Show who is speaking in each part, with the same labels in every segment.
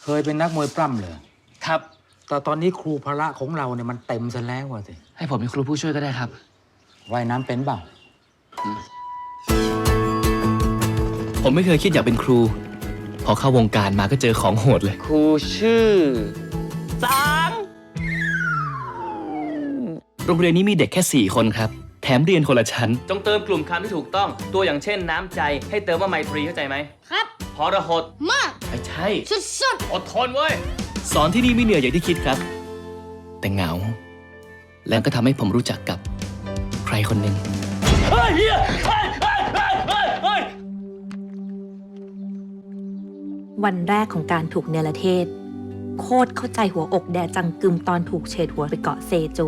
Speaker 1: เคยเป็นนักมวยปล้ำเลย
Speaker 2: ครับ
Speaker 1: แต่ตอนนี้ครูพละของเราเนี่ยมันเต็มซะแล้วสิ
Speaker 2: ให้ผมเป็นครูผู้ช่วยก็ได้ครับ
Speaker 1: ว่ายน้ำเป็นเปล่า
Speaker 2: ผมไม่เคยคิดอยากเป็นครู พอเข้าวงการมาก็เจอของโหดเลย ครูชื่อโรงเรียนนี้มีเด็กแค่ 4 คนครับ แถมเรียนคนละชั้น จงเติมกลุ่มคำที่ถูกต้อง ตัวอย่างเช่นน้ำใจ ให้เติมว่าไมตรีเข้าใจไหม
Speaker 3: ครับ
Speaker 2: พรหด
Speaker 3: มาก
Speaker 2: ไม่ใช่
Speaker 3: สุด
Speaker 2: อดทนเว้ย สอนที่นี่ไม่เหนื่อยอย่างที่คิดครับ แต่เหงา แล้วก็ทำให้ผมรู้จักกับใครคนหนึ่งเฮ้ยเฮียเฮ้ยเฮ้ยเฮ้ยเฮ้ยเฮ้ย
Speaker 4: วันแรกของการถูกเนรเทศ โคตรเข้าใจหัวอกแดจังกึมตอนถูกเฉดหัวไปเกาะเซจู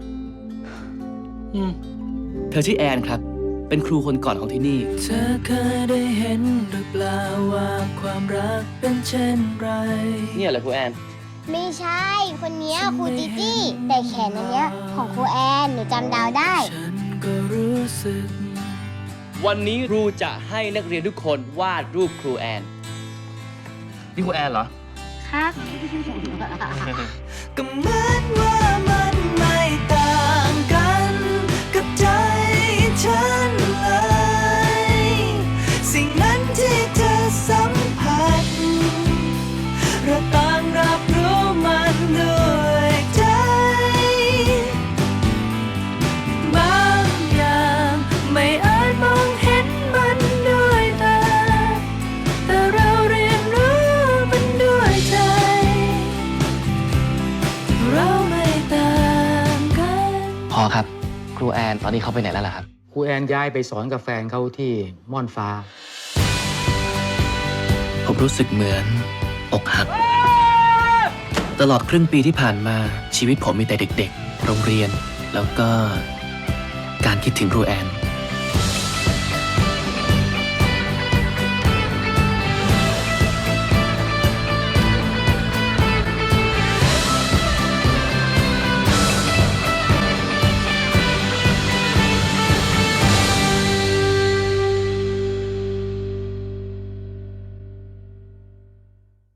Speaker 2: เธอชื่อแอนครับ เป็นครูคนก่อนของที่นี่
Speaker 5: เธอเคยได้เห็นหรือเปล่าว่าความรักเป็นเช่นไร
Speaker 2: เนี่ยเหรอครูแอน
Speaker 3: ๆไม่ใช่ คนเนี้ยครูจีจี้แต่แขนอันเนี้ยของครูแอนหนูจำดาวได้
Speaker 5: ฉันก็รู้สึก
Speaker 2: วันนี้ครูจะให้นักเรียนทุกคนวาดรูปครูแอน นี่ครูแอนเหรอ
Speaker 3: ครับ
Speaker 5: ก็เหมือนว่ามันไม่ต่างกันกับใจฉันเลย สิ่งนั้นที่เธอสัมผัสเราต่างรับรู้มันด้วยใจ บางอย่างไม่อาจมองเห็นมันด้วยตา แต่เราเรียนรู้มันด้วยใจ เราไม่ต่างกัน
Speaker 2: พอครับ ครูแอนตอนนี้เขาไปไหนแล้วล่ะครับ
Speaker 1: ครูแอนย้ายไปสอนกับแฟนเขาที่ม่อนฟ้า
Speaker 2: ผมรู้สึกเหมือนอกหัก ตลอดครึ่งปีที่ผ่านมาชีวิตผมมีแต่เด็กๆ โรงเรียน แล้วก็การคิดถึงครูแอน